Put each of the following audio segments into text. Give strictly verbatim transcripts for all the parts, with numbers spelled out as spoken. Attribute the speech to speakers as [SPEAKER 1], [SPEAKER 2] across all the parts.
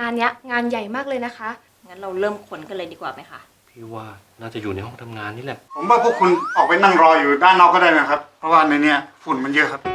[SPEAKER 1] านเนี้ยงานใหญ่มากเลยนะคะ
[SPEAKER 2] งั้นเราเริ่มค้นกันเลยดีกว่าไหมคะ
[SPEAKER 3] พี่ว่าน่าจะอยู่ในห้องทำงานนี่แหละ
[SPEAKER 4] ผมว่าพวกคุณออกไปนั่งรออยู่ด้านนอกก็ได้นะครับเพราะว่าในเนี้ยฝุ่นมันเยอะครับ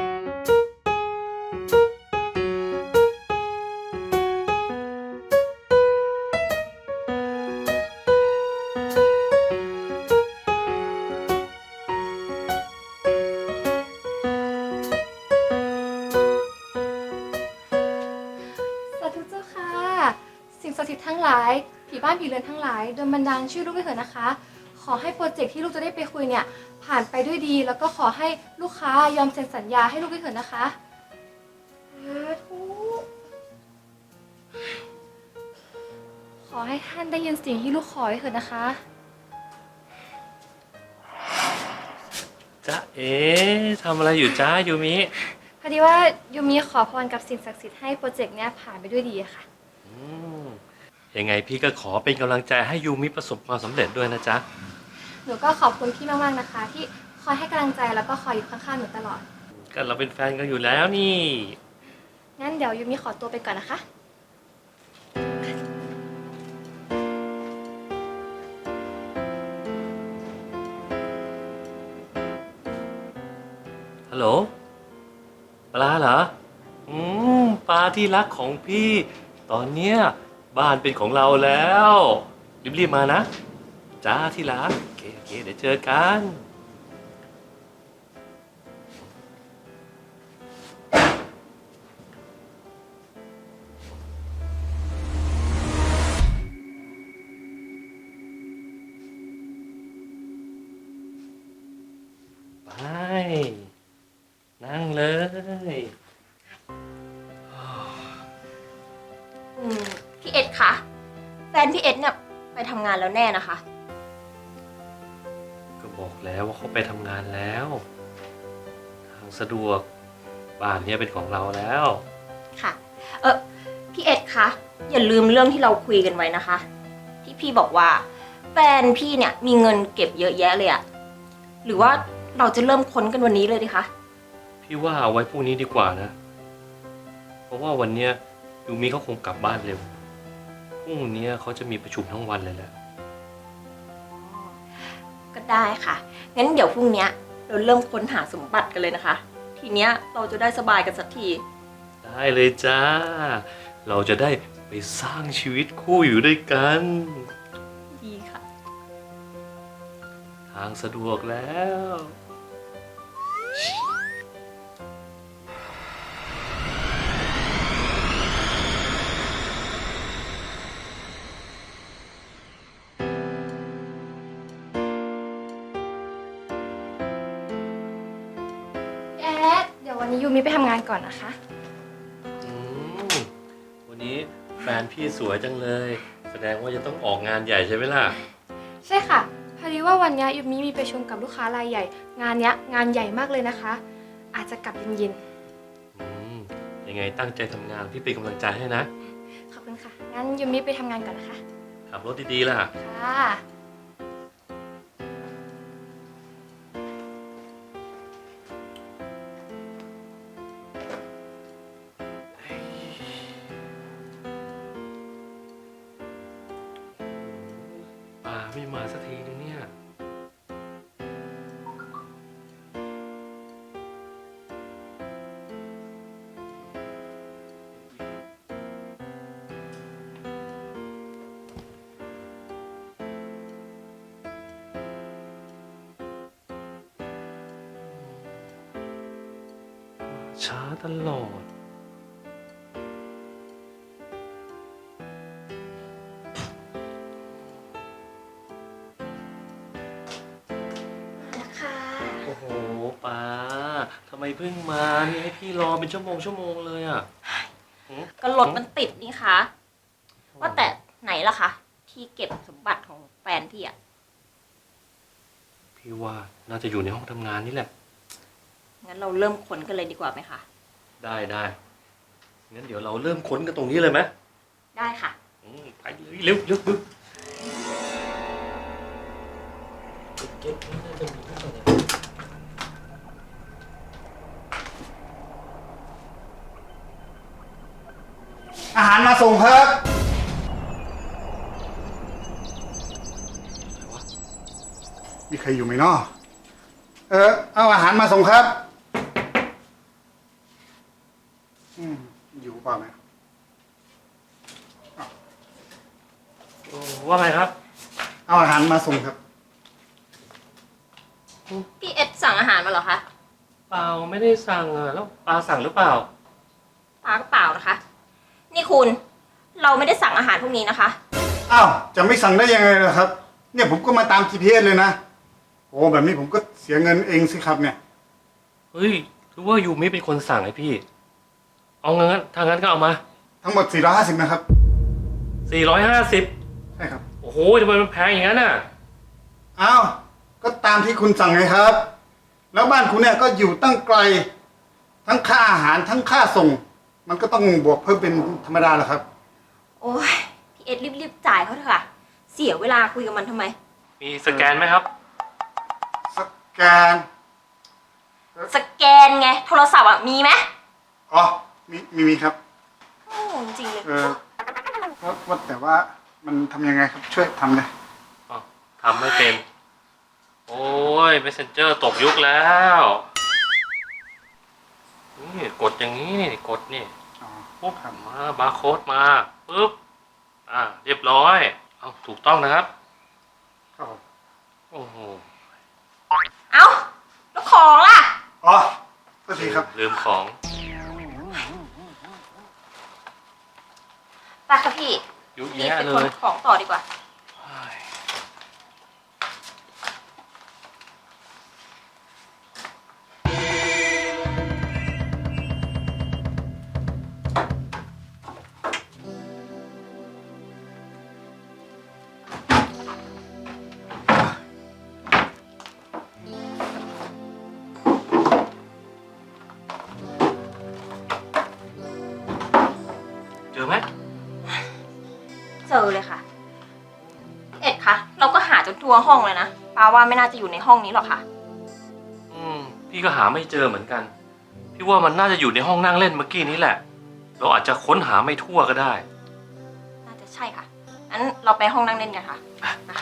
[SPEAKER 1] สาธุเจ้าค่ะสิ่งศักดิ์สิทธิ์ทั้งหลายผีบ้านผีเรือนทั้งหลายโดนบันดาลชื่อลูกด้วยเถิดนะคะขอให้โปรเจกต์ที่ลูกจะได้ไปคุยเนี่ยผ่านไปด้วยดีแล้วก็ขอให้ลูกค้ายอมเซ็นสัญญาให้ลูกด้วยเถิดนะคะสาธุขอให้ท่านได้ยินสิ่งที่ลูกขอด้วยเถิดนะคะ
[SPEAKER 3] จ๊ะเอ๊ะทำอะไรอยู่จ้ายูมิ
[SPEAKER 1] พอดีว่ายูมีขอพรกับสิ่งศักดิ์สิทธิ์ให้โปรเจกต์เนี้ยผ่านไปด้วยดีอะค่ะ
[SPEAKER 3] อืมยังไงพี่ก็ขอเป็นกำลังใจให้ยูมิประสบความสำเร็จด้วยนะจ๊ะ
[SPEAKER 1] หนูก็ขอบคุณพี่มากๆนะคะที่คอยให้กำลังใจแล้วก็คอยอยู่ข้างๆหนูตลอด
[SPEAKER 3] ก็เราเป็นแฟนกันอยู่แล้วนี่
[SPEAKER 1] งั้นเดี๋ยวยูมีขอตัวไปก่อนนะคะ
[SPEAKER 3] ฮัลโหลปลาเหรออืมปลาที่รักของพี่ตอนเนี้ยบ้านเป็นของเราแล้วรีบๆมานะจ้าที่รักโอเคโอเคเดี๋ยวเจอกันไปนั่งเลย
[SPEAKER 2] อืมพี่เอ็ดคะแฟนพี่เอ็ดเนี่ยไปทำงานแล้วแน่นะคะ
[SPEAKER 3] ก็บอกแล้วว่าเขาไปทำงานแล้วทางสะดวกบ้านเนี้ยเป็นของเราแล้ว
[SPEAKER 2] ค่ะ เออพี่เอ็ดคะอย่าลืมเรื่องที่เราคุยกันไว้นะคะที่พี่บอกว่าแฟนพี่เนี่ยมีเงินเก็บเยอะแยะเลยอะหรือว่าเราจะเริ่มค้นกันวันนี้เลยดีคะ
[SPEAKER 3] พี่ว่าเอาไว้พรุ่งนี้ดีกว่านะเพราะว่าวันเนี้ยยูมิเขาคงกลับบ้านเร็วพรุ่งนี้เขาจะมีประชุมทั้งวันเลยแหละ
[SPEAKER 2] ก็ได้ค่ะงั้นเดี๋ยวพรุ่งนี้เราเริ่มค้นหาสมบัติกันเลยนะคะทีเนี้ยเราจะได้สบายกันสักที
[SPEAKER 3] ได้เลยจ้าเราจะได้ไปสร้างชีวิตคู่อยู่ด้วยกัน
[SPEAKER 2] ดีค่ะ
[SPEAKER 3] ทางสะดวกแล้ว
[SPEAKER 1] แอดเดี๋ยววันนี้ยูมีไปทำงานก่อนนะคะ
[SPEAKER 3] อืมวันนี้แฟนพี่สวยจังเลยแสดงว่าจะต้องออกงานใหญ่ใช่ไหมล่ะ
[SPEAKER 1] ใช่ค่ะพอดีว่าวันนี้ยูมีมีประชุมกับลูกค้ารายใหญ่งานเนี้ยงานใหญ่มากเลยนะคะ อาจจะกลับเย็น
[SPEAKER 3] ๆอืมยังไงตั้งใจทำงานพี่เป็นกำลังใจให้นะ
[SPEAKER 1] ขอบคุณค่ะงั้นยูมีไปทำงานก่อนนะคะ
[SPEAKER 3] ขับรถดีๆล่ะ
[SPEAKER 1] ค่ะ
[SPEAKER 3] ป่าไม่มาสักทีนึงเนี่ยช้าตลอดโอ้โหป้าทำไมเพิ่งมานี่ให้พี่รอเป็นชั่วโมงชั่วโมงเลยอ่ะ
[SPEAKER 2] ก็รถมันติดนี่คะว่าแต่ไหนล่ะคะที่เก็บสมบัติของแฟนพี่อะ
[SPEAKER 3] พี่ว่าน่าจะอยู่ในห้องทำงานนี่แหละ
[SPEAKER 2] งั้นเราเริ่มค้นกันเลยดีกว่าไหมคะ
[SPEAKER 3] ได้ได้งั้นเดี๋ยวเราเริ่มค้นกันตรงนี้เลยไหม
[SPEAKER 2] ได้ค่ะ
[SPEAKER 3] ไปเลยเร็วเร็วเร็วเก็บนี่น่าจะมีทุกอย่าง
[SPEAKER 4] อาหารมาส่งครับมีใครอยู่ไหมเนาะเออเอาอาหารมาส่งครับอืมอยู่เปล่าไหม
[SPEAKER 3] ว่าไงครับ
[SPEAKER 4] เอาอาหารมาส่งครับ
[SPEAKER 2] พี่เอ็ดสั่งอาหารมาเหรอคะ
[SPEAKER 3] เปล่าไม่ได้สั่งอะแล้วปลาสั่งหรือเปล่า
[SPEAKER 2] ปาก็เปล่านะคะ นี่คุณ เราไม่ได้สั่งอาหารพวกนี้นะคะ
[SPEAKER 4] อ้าวจะไม่สั่งได้ยังไงล่ะครับ เนี่ยผมก็มาตาม จี พี เอส เลยนะโอ้แบบนี้ผมก็เสียเงินเองสิครับเนี่ย
[SPEAKER 3] เฮ้ยหรือว่ายูมิเป็นคนสั่งให้พี่ เอางั้นถ้างั้นก็เอามา
[SPEAKER 4] ทั้งหมดสี่ร้อยห้าสิบนะครับ
[SPEAKER 3] สี่ร้อยห้าสิบ
[SPEAKER 4] ใช่ครับ
[SPEAKER 3] โอ้โหทำไมมันแพงอย่างนั้นน่ะ
[SPEAKER 4] อ้าวก็ตามที่คุณสั่งไงครับ แล้วบ้านคุณเนี่ยก็อยู่ตั้งไกล ทั้งค่าอาหารทั้งค่าส่ง มันก็ต้องบวกเพิ่มเป็นธรรมดาแหละครับ
[SPEAKER 2] โอ้ยพี่เอ็ดรีบๆจ่ายเขาเถอะค่ะ เสียเวลาคุยกับมันทำไม
[SPEAKER 3] มีสแกนไหมครับ
[SPEAKER 4] สแกน
[SPEAKER 2] สแกนไง โทรศัพท์อ่ะมีไหม
[SPEAKER 4] อ๋อมีมีมีครับ
[SPEAKER 2] โอ้จริงๆเลย
[SPEAKER 4] เออว่าว่าแต่ว่ามันทำยังไงครับช่วยทำเลย
[SPEAKER 3] อ้าวทำไม่เป็น โอ้ย Messenger ตกยุคแล้ว นี่กดอย่างนี้นี่กดนี่
[SPEAKER 4] อ๋อ
[SPEAKER 3] ปุ๊บ
[SPEAKER 4] ครับ
[SPEAKER 3] มาบาร์โค้ดมาปุ๊บ อ่า เรียบร้อยเอาถูกต้องนะครับ
[SPEAKER 4] ครับผม
[SPEAKER 3] โอ้โห
[SPEAKER 2] เอ้า แล้วของล่ะ
[SPEAKER 4] อ๋อโทษทีครับ
[SPEAKER 3] ลืมของ
[SPEAKER 2] ไปค่ะพี่
[SPEAKER 3] ยุ่
[SPEAKER 2] รีบ
[SPEAKER 3] แย่
[SPEAKER 2] ไป
[SPEAKER 3] เล
[SPEAKER 2] ขน
[SPEAKER 3] ย
[SPEAKER 2] ของต่อดีกว่า
[SPEAKER 3] เฮ้ย เจอไหม
[SPEAKER 2] เจอเลยค่ะพี่เอ็ดคะเราก็หาจนทั่วห้องเลยนะปาว่าไม่น่าจะอยู่ในห้องนี้หรอกค่ะ
[SPEAKER 3] อืม พี่ก็หาไม่เจอเหมือนกัน พี่ว่ามันน่าจะอยู่ในห้องนั่งเล่นเมื่อกี้นี้แหละ เราอาจจะค้นหาไม่ทั่วก็ได้
[SPEAKER 2] น่าจะใช่ค่ะงั้นเราไปห้องนั่งเล่นกันค่ะนะคะ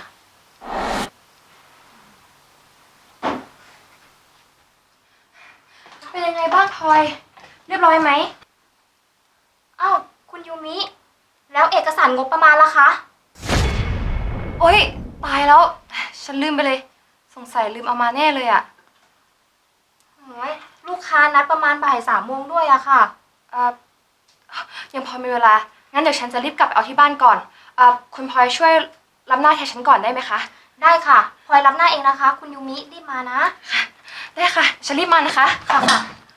[SPEAKER 1] เป็นยังไงบ้างพลอย เรียบร้อยไหม
[SPEAKER 5] อ้าวคุณยูมิ แล้วเอกสารงบประมาณล่ะคะ
[SPEAKER 1] โอ๊ย ตายแล้ว ฉันลืมไปเลย สงสัยลืมเอามาแน่เลยอะ
[SPEAKER 5] โอ้ยลูกค้านัดประมาณบ่ายสามโมงด้วยอะค่ะ
[SPEAKER 1] เอ่อยังพอมีเวลา งั้นเดี๋ยวฉันจะรีบกลับไปเอาที่บ้านก่อนเอ่อคุณพลอยช่วยรับหน้าแทนฉันก่อนได้ไหมคะ
[SPEAKER 5] ได้ค่ะพลอยรับหน้าเองนะคะ คุณยูมิรีบมานะ
[SPEAKER 1] ได้ค่ะ ฉันรีบมานะคะ
[SPEAKER 5] ค่ะค่ะ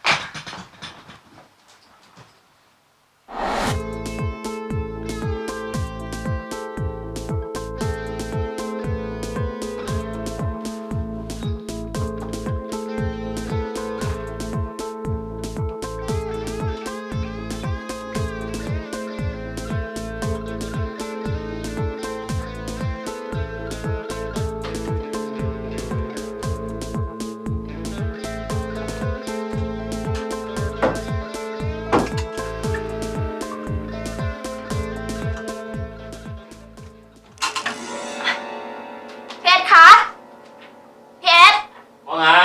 [SPEAKER 2] พี่เอ็ดคะพี่เอ็ด
[SPEAKER 3] ว่าไง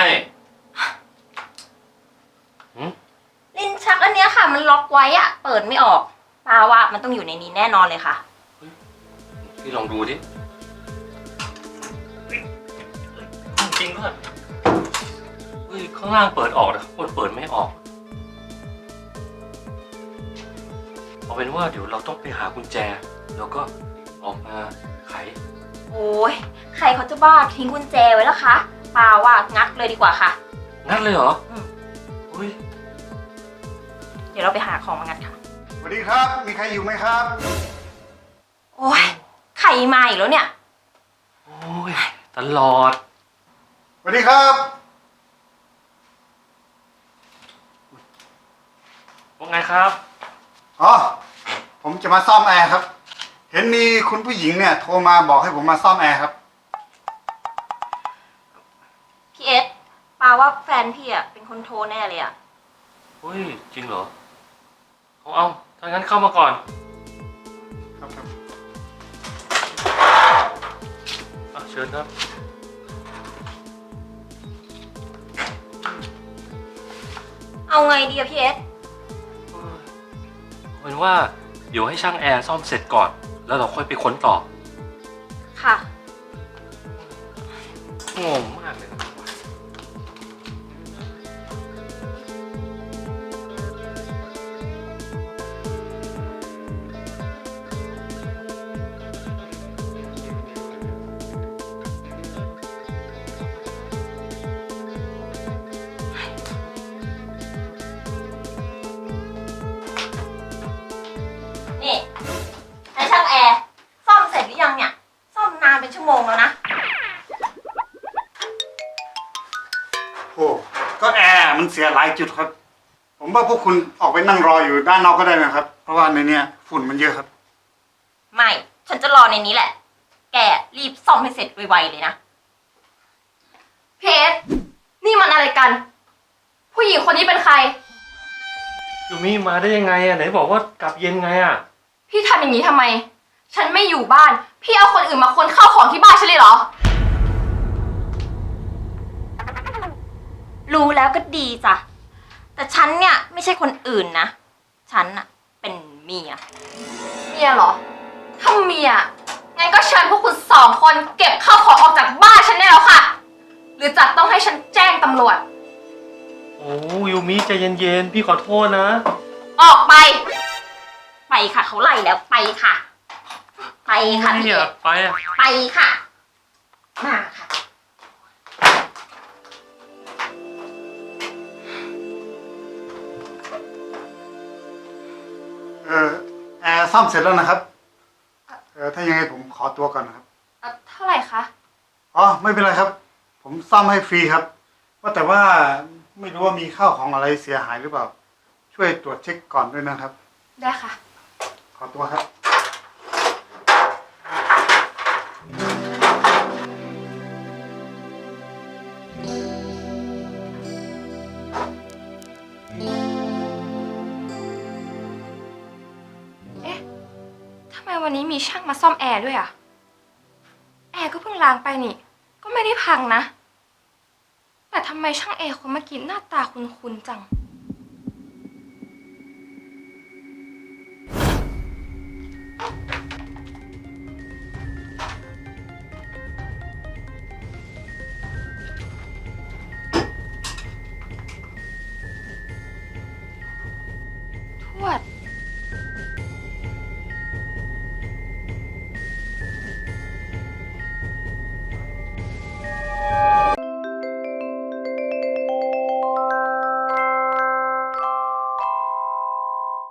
[SPEAKER 3] หืม
[SPEAKER 2] ลิ้นชักอันเนี้ยค่ะ มันล็อกไว้อะเปิดไม่ออกปาว่ามันต้องอยู่ในนี้แน่นอนเลยค่ะ
[SPEAKER 3] พี่ลองดูดิเฮ้ยเฮ้ยจริงด้วยเฮ้ย ข้างล่างเปิดออกนะบนเปิดไม่ออก เอาเป็นว่าเดี๋ยวเราต้องไปหากุญแจ แล้วก็ออกมาไข
[SPEAKER 2] โอ้ยใครเขาจะบ้าทิ้งกุญแจไว้แล้วคะปาว่างัดเลยดีกว่าค่ะ
[SPEAKER 3] งัดเลยเหรอ
[SPEAKER 2] อืม
[SPEAKER 3] เฮ้ย
[SPEAKER 2] เดี๋ยวเราไปหาของมางัดค่ะ
[SPEAKER 4] สวัสดีครับ มีใครอยู่ไหมครับ
[SPEAKER 2] โอ้ยใครมาอีกแล้วเนี่ย
[SPEAKER 3] โอ้ย ตลอด
[SPEAKER 4] สวัสดีครับ
[SPEAKER 3] ว่าไงครับ
[SPEAKER 4] อ๋อ ผมจะมาซ่อมแอร์ครับ เห็นมีคุณผู้หญิงเนี่ยโทรมาบอกให้ผมมาซ่อมแอร์ครับ
[SPEAKER 2] พี่เอสปาว่าแฟนพี่อะเป็นคนโทรแน่เลยอะ
[SPEAKER 3] เฮ้ย จริงเหรอ เอาเอาถ้างั้นเข้ามาก่อน
[SPEAKER 4] ครับครับ
[SPEAKER 3] อ่ะเชิญครับ
[SPEAKER 2] เอาไงดีอะพี่เอส
[SPEAKER 3] เอาเป็นว่าเดี๋ยวให้ช่างแอร์ซ่อมเสร็จก่อน แล้วเราค่อยไปค้นต่อ
[SPEAKER 2] ค่ะ
[SPEAKER 3] งงมากเลยนะ
[SPEAKER 2] นี่นายช่างแอร์ซ่อมเสร็จหรือยังเนี่ย ซ่อมนานเป็นชั่วโมงแล้วนะ
[SPEAKER 4] โอ้ก็แอร์มันเสียหลายจุดครับ ผมว่าพวกคุณออกไปนั่งรออยู่ด้านนอกก็ได้นะครับ เพราะว่าในเนี้ยฝุ่นมันเยอะครับ
[SPEAKER 2] ไม่ ฉันจะรอในนี้แหละ แกรีบซ่อมให้เสร็จไวๆเลยนะ
[SPEAKER 5] พี่เอสนี่มันอะไรกัน ผู้หญิงคนนี้เป็นใคร
[SPEAKER 3] ยูมิมาได้ยังไงอ่ะไหนบอกว่ากลับเย็นไงอ่ะ
[SPEAKER 5] พี่ทำอย่างนี้ทำไม ฉันไม่อยู่บ้าน พี่เอาคนอื่นมาค้นข้าวของที่บ้านฉันเลยเหรอ
[SPEAKER 2] รู้แล้วก็ดีจ้ะ แต่ฉันเนี่ยไม่ใช่คนอื่นนะ ฉันอะเป็นเมีย
[SPEAKER 5] เมียเหรอ ถ้าเมีย งั้นก็เชิญพวกคุณสองคนเก็บข้าวของออกจากบ้านฉันได้แล้วค่ะ หรือจะต้องให้ฉันแจ้งตำรวจ
[SPEAKER 3] โอ้ยูมิใจเย็นๆพี่ขอโทษนะ
[SPEAKER 5] ออกไป
[SPEAKER 2] ไปค่ะเขาไล่แล้วไปค่ะ ไปค่ะ
[SPEAKER 3] ไม่
[SPEAKER 2] พี่
[SPEAKER 3] อ
[SPEAKER 2] เอย
[SPEAKER 3] ากไปอ่ะ
[SPEAKER 2] ไปค่ะ มาค่ะ
[SPEAKER 4] เออแอร์ซ่อมเสร็จแล้วนะครับเออถ้ายังไงผมขอตัวก่อนนะครับ
[SPEAKER 5] เอ่อเท่าไหร่คะ
[SPEAKER 4] อ๋อไม่เป็นไรครับ ผมซ่อมให้ฟรีครับ ว่าแต่ว่าไม่รู้ว่ามีข้าวของอะไรเสียหายหรือเปล่า ช่วยตรวจเช็คก่อนด้วยนะครับ
[SPEAKER 5] ได้ค่ะ
[SPEAKER 4] ขอตัวครับ
[SPEAKER 5] เอ๊ะ ทำไมวันนี้มีช่างมาซ่อมแอร์ด้วยอะแอร์ก็เพิ่งล้างไปนี่ ก็ไม่ได้พังนะ แต่ทำไมช่างแอร์คนเมื่อกี้หน้าตาคุ้นๆจัง